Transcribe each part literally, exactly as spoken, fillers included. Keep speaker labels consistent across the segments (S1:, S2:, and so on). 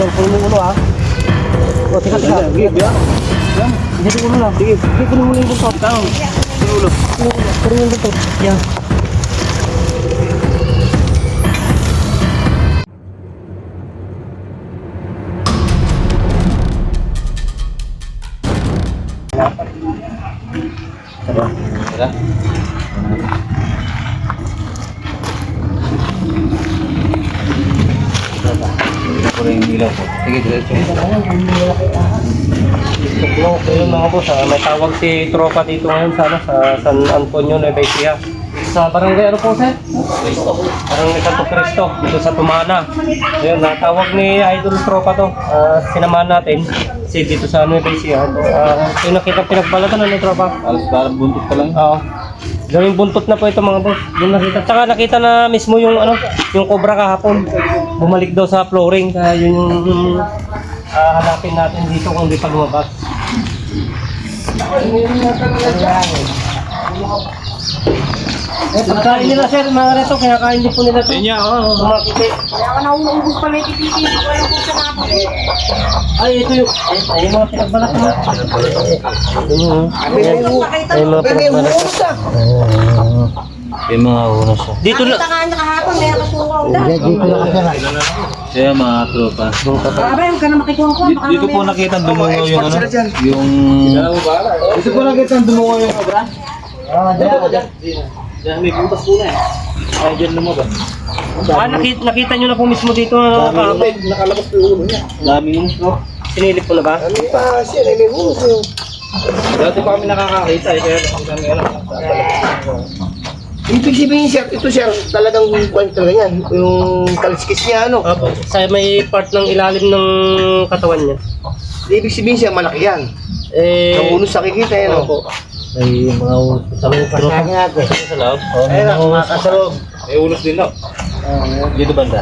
S1: Idol, puno mo ulo ha. O, tika, tika. Sige, biya. Sige, ulo lang. Sige, sige, puno mo ulo yung buntot. Tama. Puno ulo. Puno yung buntot. Yan.
S2: Tara. Tara. Ito rin yung ilaw ko. Sige, diretso.
S1: Ayun mga boss, ah, may tawag si tropa dito ngayon sa, ano, sa San Antonio, Nueva Ecija. Sa barangay ano po, sir? Barangay Santo Cristo, dito sa Tumana. Ayun, natawag ni Idol Tropa to. Uh, sinamahan natin si dito sa Nueva Ecija. Uh, yung nakita pinagbalatan na ni Tropa.
S2: Alas parang buntot ka lang.
S1: Oo. Gawing buntot na po ito mga boss. Yung nakita. Tsaka nakita na mismo yung ano, yung cobra kahapon. Bumalik daw sa flooring. Kaya yun yung uh, hanapin natin dito kung di pa lumabas. Eh, pagkain nila sir, mga reto, kinakain din po nila ito.
S2: Yan, oo.
S1: Kumakiti.
S3: Kaya ka nauubos pala yung tititi, hindi ko alam kung saan ako.
S1: Ay, ito yung, ay, ay, yung mga pinagbalat mo. Ito yung, ay, yung mga pinagbalat.
S2: Yung mga unos.
S1: Dito na.
S3: Nakita ka niya kahapon, may nakasungaw na.
S1: Dito na kasi na.
S2: Kaya mga tropa.
S3: Grabe, huwag ka na makikuha ko.
S2: Dito, dito po nakita ang dumungaw yung ano. Yung...
S1: Dito po nakita ang dumungaw yung cobra. Ah, dyan, dyan. Dyan, may butas po na eh. Ay, dyan lumabas. Ah, nakita, nakita nyo na po mismo dito na kahapon.
S4: Nakalabas po yung ulo niya.
S2: Daming unos, no?
S1: Sinilip po na ba?
S4: Ano pa siya, may ulo siya.
S2: Dati pa kami nakakakita eh. Kaya kami alam.
S4: Ibig sabihin siya, ito siya talagang kwento na yan. Yung kaliskis niya, ano.
S1: Opo, sa may part ng ilalim ng katawan niya.
S4: Ibig sabihin siya, malaki yan.
S1: Eh,
S4: Ang ulo sa kikita yan, no.
S1: opo.
S2: May mga unos sa loob.
S1: natin. Sa loob?
S2: Oo, may mga unos sa loob. May unos din, no? Dito banda.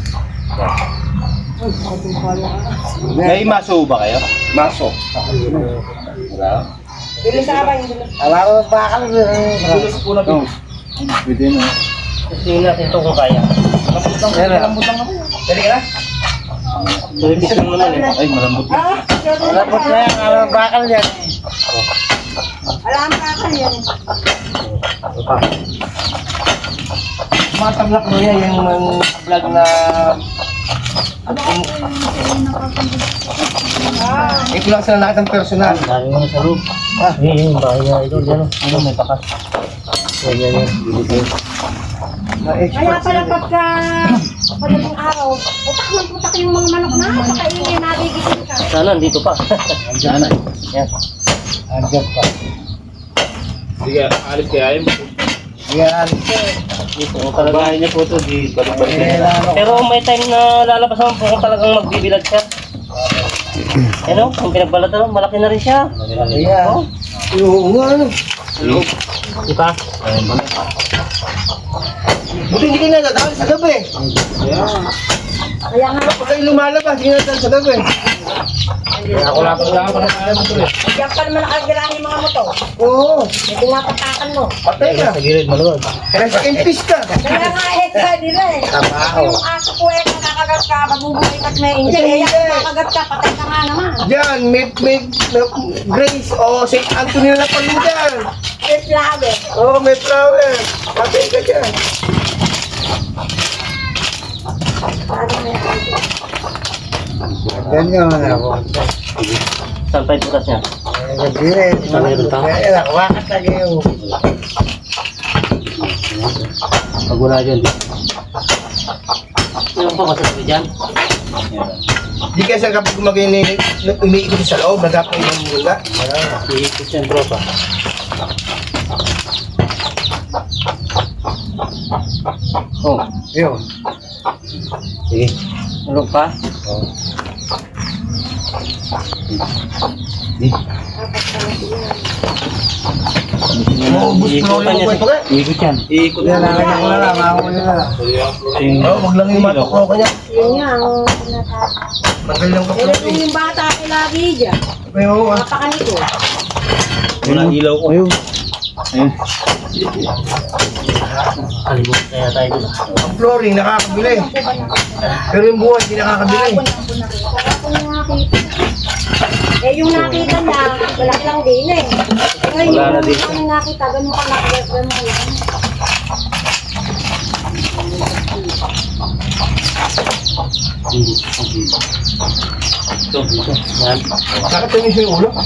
S2: May maso ba kayo?
S4: Maso.
S2: Wala.
S3: Bilis sa abay, bilis.
S4: Alam mo, bakal.
S2: Unos po na bilis. Pwede na.
S1: Tingnan natin ito kung kaya.
S4: Malambot lang ako. Dali ka na.
S1: Tulipis lang naman eh.
S2: Ay, malambot.
S3: Ah,
S4: Malambot na yan, alam mo, bakal yan.
S3: alam ka ka yan.
S4: Mga tablak mo yan, yung mga vlog na... Ito lang sila nakita ng personal.
S1: Dami mo sa loob. Ah, eh, yung bahay niya. Ito, dyan o. Ano, may pakas. Yan, yan, yan.
S3: Kaya pala pagka padaling araw, putak man putak yung mga manok na, pakainin, nagigising ka.
S1: Sana, dito pa.
S2: Diyan na.
S1: Yan.
S4: Andiyan pa.
S2: Sige, alis kaya yun.
S4: Yan.
S1: Dito, kung talaga.
S2: niya po ito, di balik-balik
S4: Eh,
S2: na.
S4: ano.
S1: Pero may time na lalabas naman po kung talagang magbibilad siya. Ano, kung pinagbalatan, malaki na rin siya.
S4: Ayan. Oo nga, ano.
S1: Di ba?
S4: Buti hindi kayo nadadaan sa gabi.
S3: Kaya nga,
S4: Pag kayo lumalabas, hindi nadadaan sa gabi.
S2: Ako lang po lang ako na kaya mo ito eh.
S3: diyan pa naman nakagiraan yung mga motor.
S4: Oo.
S3: May pinapatakan mo.
S4: Patay ka.
S1: Sa gilid, maluwag.
S4: Rest in peace ka.
S3: Kaya nga eh, kaya nila eh.
S4: Trabaho.
S3: Yung aso ko eh, kung kakagat ka, mabubuhay ka't may injil. Eh, yan, kakagat ka, patay ka nga naman.
S4: Diyan, may, may, may Grace o Saint Anthony na paludan.
S3: Eh, flower.
S4: Oo, may flower. Patay ka dyan. Ganyan na ako.
S1: Saan pa yung butas niya?
S4: Nag-direct.
S1: Mayroon pa?
S4: Eh, nakuwakat lagi yung...
S1: Pag wala dyan. Yung pa masasabi dyan?
S4: Di kasi kapag gumagay ni... umiikot sa loob, nagapay yung mula.
S1: Iikot yan, tropa.
S4: Oh, yun.
S1: Sige. Ulog pa?
S4: Oh. Maubos ko na yung kwento ka.
S2: Iikot yan. Iikot
S4: Yan, lalagyan ko na lang, makakuli na lang. Oo, wag lang yung matok ko kanya.
S3: Yun nga, ang pinatakas.
S4: Tagal lang
S3: Pero
S4: kapag.
S3: kung yung bata ko lagi dyan,
S4: Ay, oo ah.
S3: napakanito.
S2: Wala ilaw ko.
S1: Ayun.
S2: Ayun.
S1: Alimot kaya tayo dun.
S4: Ang flooring, nakakabili. Pero yung buhay, hindi nakakabili.
S3: Kahapon lang po nakita. Kahapon lang nakita. Eh, yung nakita niya, malaki lang din eh. Ngayon,
S1: Wala na din.
S3: yung nakita, ganun ka laki, ganun ka lang.
S1: Ito, ito. Yan.
S4: Nakatamis yung ulo.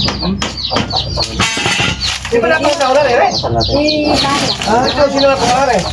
S4: Di ba natin sa ulan eh?
S1: Saan natin?
S3: Eh, kaya.
S4: Ah, ito sino na pangalan eh?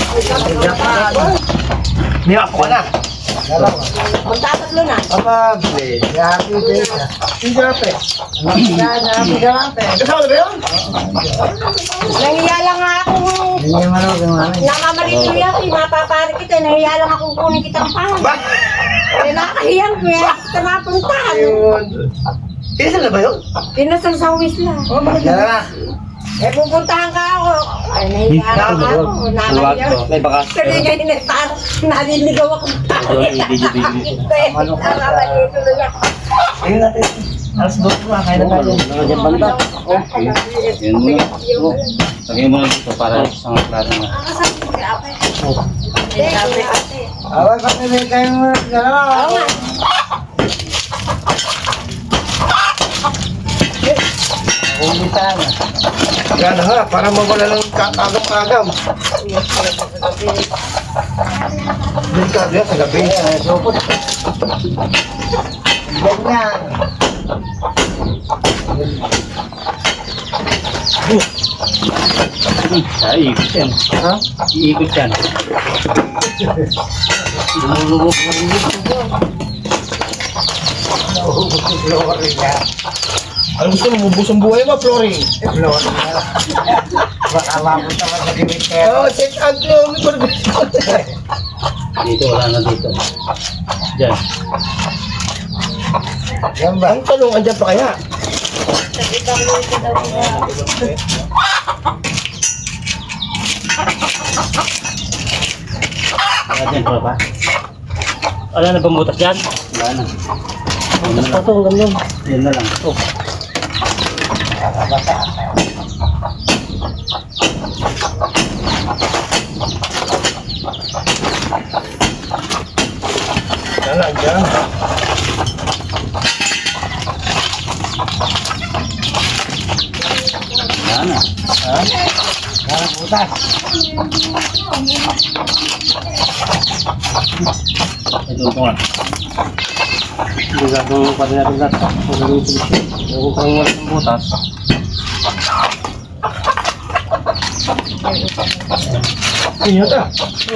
S4: Niyapo ka na.
S3: Magtatatlo na.
S4: Amable. Happy day. Hindi na pe. Happy day. Kasama na ba yun?
S3: Nahiya lang nga ako. Namamalito yan, eh, mapapari kita. Nahiya lang akong kunin kitang pa.
S4: Ba?
S3: Eh, nakahiyang ko yan. Kita napuntahan.
S4: Ayun. Isa na ba yun?
S3: Pinasal sa uwis lang.
S4: Yan na.
S3: Eh, pupuntahan ka ako. Ay, nahiya lang ako.
S1: Luwag
S3: Nakahiya.
S1: to. May bakas.
S3: Kasi nga inetar, naliligaw ako.
S1: Doon, i-video-video.
S3: Ano ka? Nakabalito na yan.
S4: Ayun natin. Alas dos na. Kaya na tayo.
S1: Nakadyan banda.
S2: Yan mo na. Lagyan mo na dito para sa mga klaro mo.
S3: Nakasabi ko kay Ape. Eh, Ape, Ate.
S4: Awal pa na rin kayo mga dalawa.
S3: Oo nga.
S4: Yan na nga, para mawala ng kakagam-kagam. Delikado yan sa gabi. Huwag na.
S2: Ay, iikot yan.
S4: Ha?
S2: Iikot yan.
S4: Ano gusto mo? Mubus ang buhay mo, flooring. Eh, flooring na. Baka mabot naman sa dimitero. Oo, check out mo.
S2: Dito, wala na dito. Diyan.
S4: Yan ba? Ang tanong, andyan pa kaya?
S2: Wala dyan pa ba?
S1: Wala na bang butas dyan?
S2: Wala na.
S1: Butas pa ito, ang ganda.
S2: Yan na lang.
S1: Ito.
S4: Yan na, andyan.
S2: Wala na.
S4: Ha? Yan ang butas.
S2: Ito ito nga.
S1: Hindi gagawin pa rin natin lahat. Kung gagawin ito gusto. Kung parang wala ng butas.
S4: Inyo ta.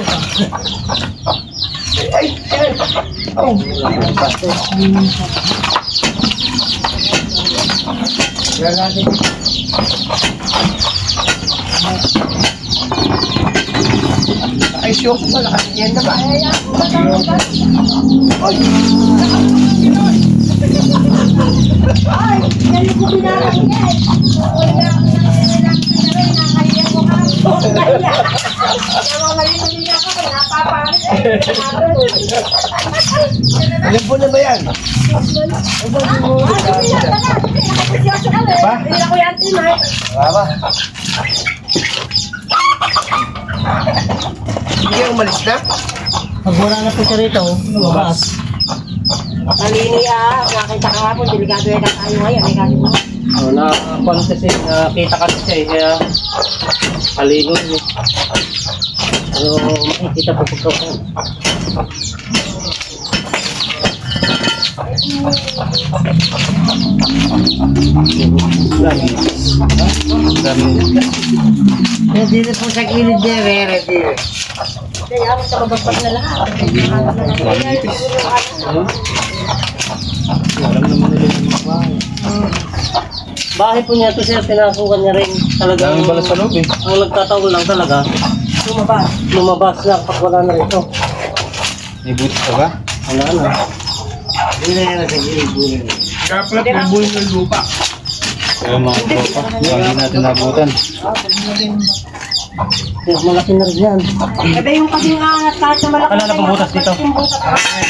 S4: Ay, ay. Oh. Yan natin. Ay, siyok pa. Nakasiyan na ba? Ay.
S3: Ay, dali ko pinarang yan. Wala ako na nakahiya ko ka. Kaya, namamalito niya ako. Napapalit eh.
S4: Alam po na ba yan?
S3: Ba? Hindi ako yan, Timay.
S4: Baba. Hindi kayo umalis na?
S1: Pag wala na po siya rito, lumabas.
S3: Malini ah, nakita ka nga po, delikado yan tayo ngayon. Eh, kasi mo.
S1: Oh, na kung kasi nakita kasi siya eh, kaya kalino eh. Pero makikita po pagka po. Dami.
S2: Dami.
S4: Eh, dito po sa gilid niya, meron dito.
S3: Kaya ako sa babagpag na lahat.
S2: Alam naman nila yung mga bahay.
S1: Bahay po niya to siya, pinasukan niya rin talaga.
S2: Dami pala sa loob eh.
S1: Ang nagtataon lang talaga,
S3: Lumabas.
S1: lumabas na pag wala na rito.
S2: May butas ka ba?
S1: Wala na.
S4: Hindi na yan sa gilid po yun. Kaya pala pinubuhin ng lupa.
S2: Kaya mga tropa, hindi natin nabutan.
S1: Kaya malaki na rin yan.
S3: Ebe yung kasing angat kahit na malaki.
S1: Wala na pang butas dito.
S3: Yung butas.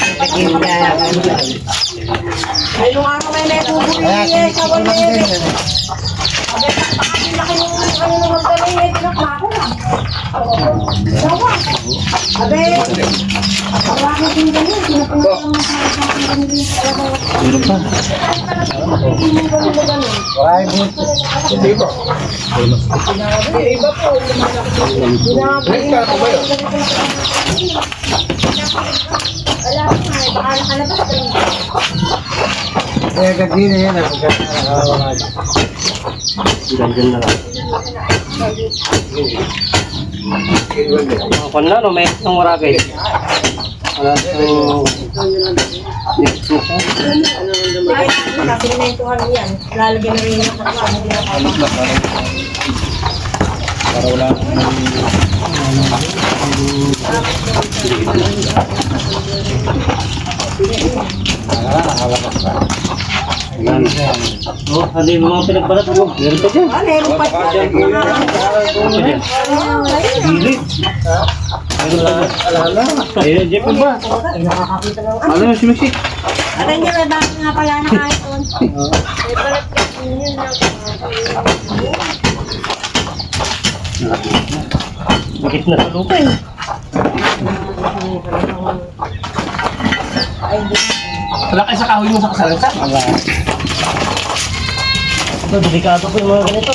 S3: Ay, nung araw may may bubuli eh, sa wala eh. Abe, laki yung ano nung magdala eh, tinakma ko. Dawa. Abe. Wala ko din ganun. Pinapunta mo sa kanila.
S2: Meron pa.
S4: Ay, hindi ba?
S3: Iba po.
S4: Next ka ba yun?
S3: Wala ko nga. Baka nakalabas ka rin.
S4: Kaya gabi na yan. Nakakawala.
S1: Diyan dyan na lang. Mga pan na, no? May isang waragay. Wala itong...
S3: Kasi naintuhan yan. Lalagyan na rin yung kapwa. Hindi na kaya.
S2: Para wala
S1: Yan. Oh, ano yung mga pinagbalat mo? Meron pa dyan.
S3: Ah, meron pa siya.
S1: Meron pa dyan. Bilit. Meron pa dyan.
S4: Alala.
S1: Ayun, Jeff pa ba?
S3: Ay, nakakakita lang.
S1: Ano yung simisik?
S3: Alam niyo, may bakit nga pala na kahit doon. May balat kasi yun lang.
S1: Bakit na sa lupa eh?
S4: Wala kayo sa kahoy mo sa kasalansa?
S2: Wala.
S1: Ito, delikado po yung mga ganito.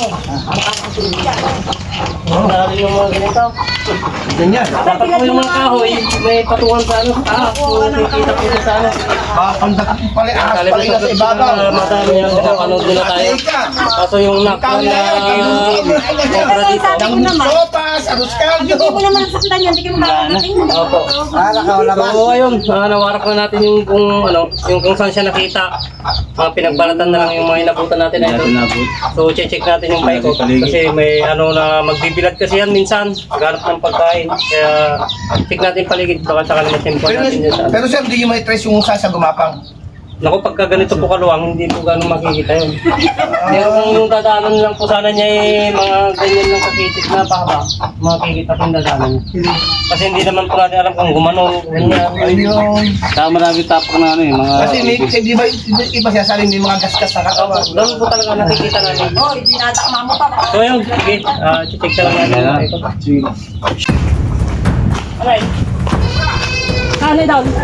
S1: Oh, lalo yung mga ganito.
S4: Ganyan.
S1: Dapat po yung mga kahoy, may patungan sa ano, ah, kung nakikita po siya sa ano.
S4: Papandak mo pala, ahas
S1: Kali
S4: pala
S1: po
S4: yung nasa ibabaw.
S1: sa madami yung pinapanood nila tayo. Kaso yung nak na sobra dito.
S3: Sabi ko naman,
S4: Sopas, arroz
S3: hindi
S4: caldo.
S3: mo naman nasaktan yan, hindi ka makakarating.
S1: Opo.
S4: Ah, nakawala ba?
S1: So ayun, ah, nawarak na natin yung kung ano, yung kung saan siya nakita. Mga pinagbalatan na lang yung mga inabutan natin na ito.
S2: Natin nabot.
S1: So check natin yung bike ko kasi may ano na magbibilad kasi yan minsan, maghanap ng pagkain. Kaya check natin paligid baka sakali matimpo
S4: Pero,
S1: natin yun sa ano.
S4: pero sir, hindi nyo may trace yung sasa gumapang.
S1: Naku, pagka ganito po kaluwang, hindi po gano'ng makikita yun. Pero kung yung dadaanan lang po sana niya eh, mga ganyan lang kakitit na pahaba, makikita po yung dadaanan niya. Kasi hindi naman po natin alam kung gumano, ganyan.
S4: Ayun.
S2: Saka marami tapok na ano eh, mga...
S4: Kasi may, hindi ba, hindi iba siya saling may mga gasgas na katawan.
S1: Doon po talaga nakikita natin.
S3: Oh, dinatakma mo pa.
S1: So yun, sige, uh, check ka lang natin.
S2: Ayan.
S1: Ito.
S2: Sige.
S1: Alright. Saan ay down?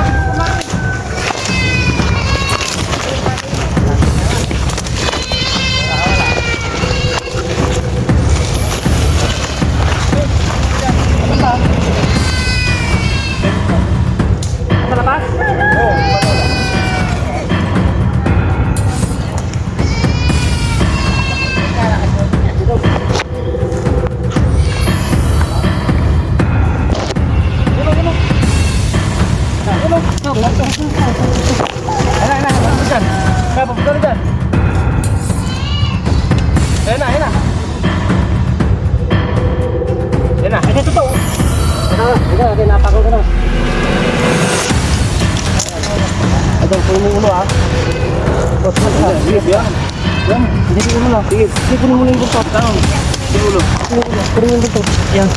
S1: Malabas?
S4: Kaya papunta na dyan. Ayan na, ayan na. Ayan na.
S1: Ay, totoo. Ito, ito, ito, napakaw ka na. Ito, puno mo ulo ah. Tos mo ka.
S2: Sige, yan.
S1: Yan, hindi ko ulo lang. Sige, sige, puno mo lang yung buntot. Tanong. Sige ulo. Puno mo lang, puno mo yung buntot. Yan.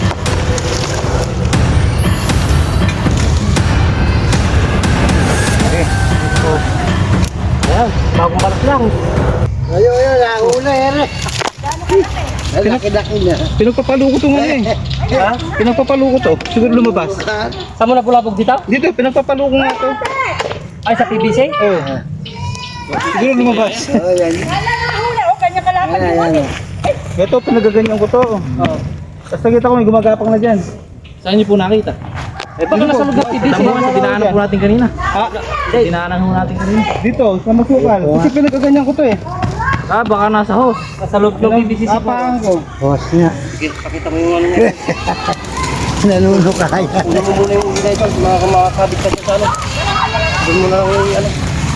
S1: Okay. So, ayan, bagong balas lang.
S4: Ayun, ayun, nakuna yan eh. Laki-laki na.
S5: Pinagpapalo ko to ngayon eh.
S1: Ha?
S5: Pinagpapalo ko to. Siguro lumabas.
S1: Saan mo nabulabog dito?
S5: Dito, pinagpapalo ko nga to.
S1: Ay, sa P V C?
S5: Oo. Siguro lumabas.
S4: Oh, yan.
S3: Wala na huli. O, kanya kalaban mo eh.
S5: Ito, pinagaganyan ko to.
S1: Oo.
S5: Tapos nakita ko may gumagapang na dyan.
S2: Saan niyo po nakita?
S1: Eh, baka nasa lugar P V C.
S5: Tama sa dinaanan po natin kanina. Ha? Dinaanan po natin kanina. Dito, sa Masukal. Kasi pinagaganyan ko to eh.
S1: Ah, baka nasa host. Nasa loob ng P V C siguro.
S5: Apahan ko.
S4: Boss niya.
S1: Sige, pakita mo yung ano niya.
S4: Nanuno ka kaya.
S1: Hindi mo muna yung ilay dyan, mga makakabit ka sa ano. Doon mo na lang yung ano.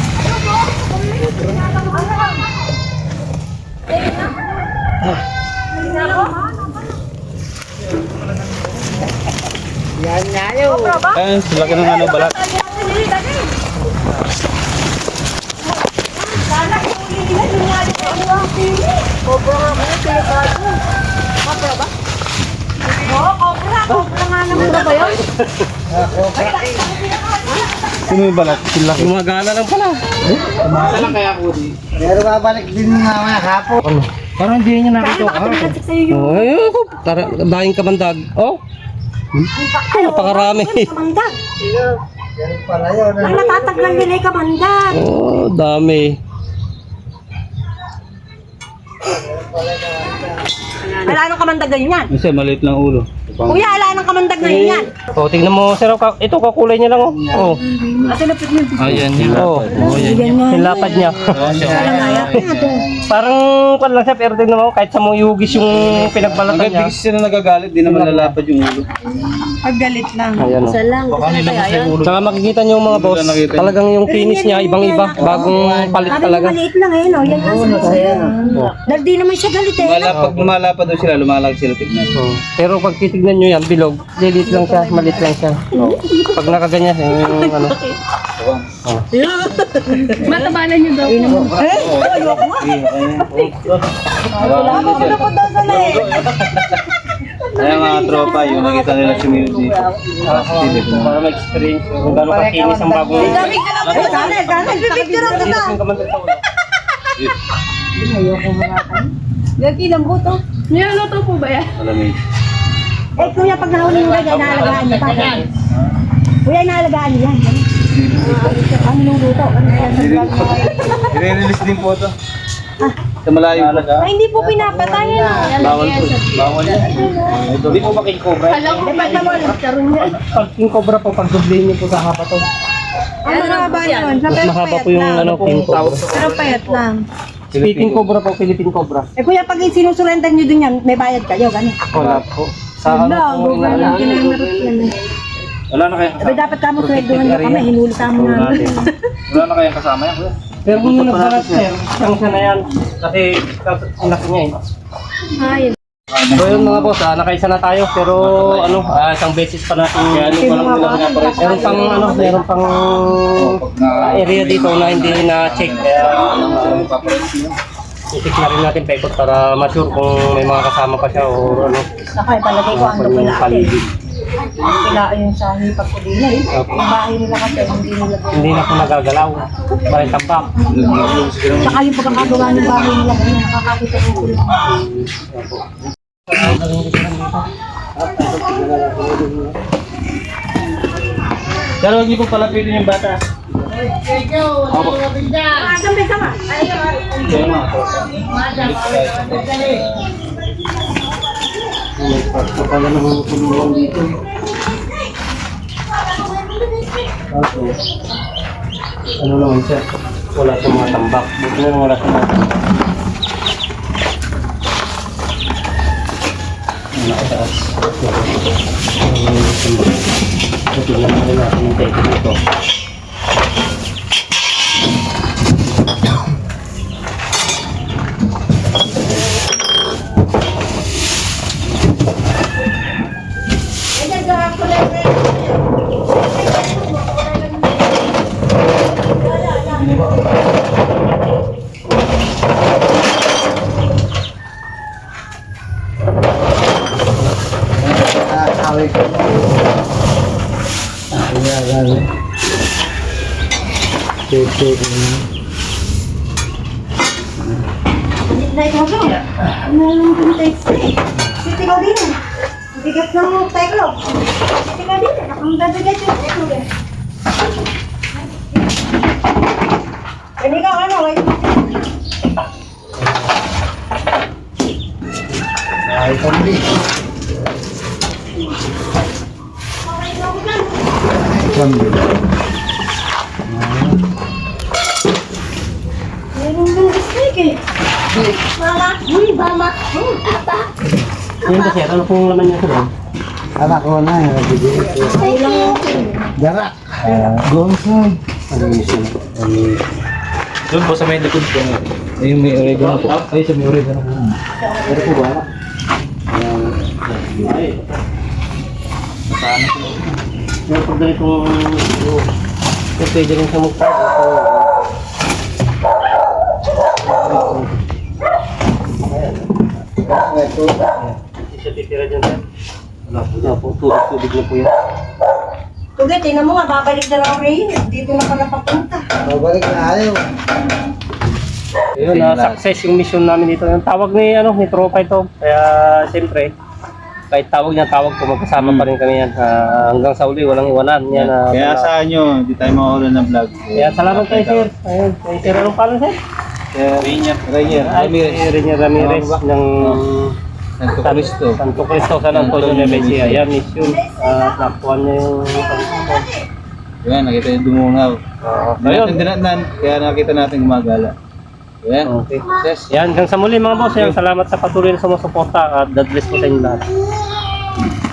S4: Yan nga yun.
S5: Ayun, laki ng ano, balat.
S3: Sana huli nila yung nga yung ang pili. Cobra nga mo, delikado. Cobra ba? Oo, cobra. Cobra nga naman. Cobra ba yun?
S5: Sino yung balat? Sila.
S1: Gumagana lang pala.
S4: Pero babalik din nga mga kapo.
S5: Parang hindi niya
S3: Kaya
S5: nakita.
S3: baka tumilansik sa'yo yung...
S1: Oh, ayun ako. Tara, dahing kamandag. Oh,
S3: Ay,
S1: napakarami.
S3: Kamandag.
S4: Yan pala yun.
S3: Ang natataglan nila yung kamandag.
S1: oh, dami.
S3: Wala nang kamandag ganyan.
S2: Kasi maliit lang ulo.
S3: Kuya, wala nang kamandag na yan.
S1: Oh, tingnan mo, sir. ka- Ito, kakulay niya lang, oh. Oh,
S3: Kasi lapit mo.
S2: Ayan, yung
S1: oh.
S2: lapad.
S3: Ganyan.
S1: Yung lapad niya. Parang, kwan lang siya, pero tingnan mo, kahit sa mo yugis yung pinagbalatan
S2: Hanggang
S1: niya.
S2: bigis sila nagagalit, di naman lalapad yung ulo.
S3: Paggalit lang.
S1: Ayan, oh.
S3: Isa lang. Baka nila kasi yan.
S1: Tsaka makikita niyo mga boss,
S2: Wala nakita.
S1: talagang yung finish niya, ibang-iba. Bagong palit
S3: Sabi
S1: talaga.
S3: mo maliit lang eh, no? Yan ang sinasabi. Dahil di naman siya galit eh.
S2: Lumala, pag lumalapad daw sila, lumalag sila tignan.
S1: Oh. Pero pag titignan nyo yan, bilog, lilit lang siya, malit lang siya. Oh. Pag nakaganyan, yung ano. Oh.
S3: Matabalan niyo daw. Eh? Ayoko nga. Wala mo ko daw sa leg.
S2: Kaya mga tropa, yung nakita nila si Mildy.
S1: Para ma-experience kung gano'ng kakinis ang bagong...
S3: Dami ka lang po. Ganel, ganel. Pipicture ang kita.
S1: Yung kamandag sa ulo.
S3: Gagi lang po to. Niluluto po ba yan?
S2: Malamig.
S3: Eh kuya, pag nahuli mo yan, inaalagaan niyo pa. Kuya, inaalagaan niyo yan. Ano nung luto? Ano yan?
S2: I-release din po ito. Sa malayo po.
S3: Ay, hindi po pinapatay yan.
S2: Bawal po. Bawal yan.
S1: Hindi po ba king cobra?
S3: Alam ko ba naman? Karoon yan.
S1: Pag king cobra po, pag dublihin niyo po sa hapa to.
S3: Ang mahaba yun. Sa
S1: Mas
S3: pero
S1: mahaba
S3: payat
S1: po yung
S3: lang.
S1: ano, king cobra.
S3: Pero payat lang.
S1: Speaking cobra po, Philippine cobra.
S3: Eh kuya, pag sinusurentan niyo dun yan, may bayad kayo, gano'n.
S1: Wala po. Sa ano po,
S3: Wala, kinanarot yan.
S2: Wala na kayang
S3: Sabi dapat kamo sweldohan nyo kami, hinuli kamo namin.
S2: Wala na kayang kasama yan. kuya?
S1: Pero kung yung nagbalat sir, siyang siya na yan. Kasi sinaki niya eh.
S3: Ay,
S1: So yun mga boss, ah, nakaisa na tayo pero ano, ah, isang beses pa natin meron pang ano, meron pang ah, area dito na hindi na check kaya uh, i-check na rin natin pa ikot para ma-sure kung may mga kasama pa siya o ano.
S3: nakay palagay ko ano
S1: yung
S3: pala ate.
S1: paligid.
S3: Kila yung sa hipag ko din eh.
S1: Opo.
S3: Yung bahay nila kasi hindi nila.
S1: Hindi na po nagagalaw. Parang tambak.
S3: Saka yung pagkakagawa ng bahay nila, ganyan, nakakakita ko sila.
S5: Pero hindi po pala pwede yung bata.
S3: Ah, sampai sama. Ayo,
S2: Kaya mga tropa.
S1: Kapala naman tulungan dito. Kaso, ano naman siya? Wala sa mga tambak. Buti na lang wala sa mga tambak. Ang nakataas. Ang tambak. Buti na lang natin yung teko dito.
S4: Nakakawin ko. Ayan, ayan. Check, check.
S3: na ikaw ko. Ano yung pintex? Siti ka din. Bigat ng teklo. Siti ka din. Ang dabigat yung teklo eh. Hindi ka ano eh.
S4: Ay, pamili. Pamili.
S3: Meron yung steak eh. Mama, uy, mama. Hmm, ata.
S1: Yan ba sir? Ano pong laman niya sa loob?
S4: Anak ko na yun. Darak. Gonsag.
S1: Ano yun siya?
S2: Doon po sa may likod ko. Ayun may oregano po. Ay, sa may oregano po.
S1: Pero po ba? Ay.
S2: Saan po?
S1: Pero pag ganitong kung pwede rin sa mukha.
S4: Ito.
S1: Hindi siya titira dyan sir. Wala po. Wala po. Tubig-tubig na po yan.
S3: Tugay, tingnan mo nga, babalik na lang rin. Dito na pala papunta.
S4: Mabalik na ayaw.
S1: Ayun,
S2: Sa inyo
S1: na
S2: lahat.
S1: success yung mission namin dito. Yung tawag ni ano ni tropa ito. Kaya siyempre kahit tawag niya tawag ko magkasama
S2: Mm.
S1: pa rin kami yan. Ah, hanggang sa uli walang iwanan yan. ah,
S5: Kaya
S1: wala.
S5: saan nyo, hindi tayo mawala ng vlog.
S1: Kaya salamat kay sir. Ayun, kay sir anong pangalan sir?
S2: Rainier. Rainier.
S1: Ay,
S2: Ramirez.
S1: si Renier Ramirez ng
S2: Santo Cristo.
S1: Santo Cristo San Antonio de Besia. Yan mission. At nakuha niya yung
S2: Yan, nakita yung dumungaw.
S1: Ah,
S2: Hindi
S1: ayun.
S2: natin dinatnan, kaya nakita natin gumagala. Yan.
S1: Okay.
S2: Yes.
S1: Yan, hanggang sa muli mga boss. Yan, salamat sa patuloy na sumusuporta at God bless po sa inyo lahat.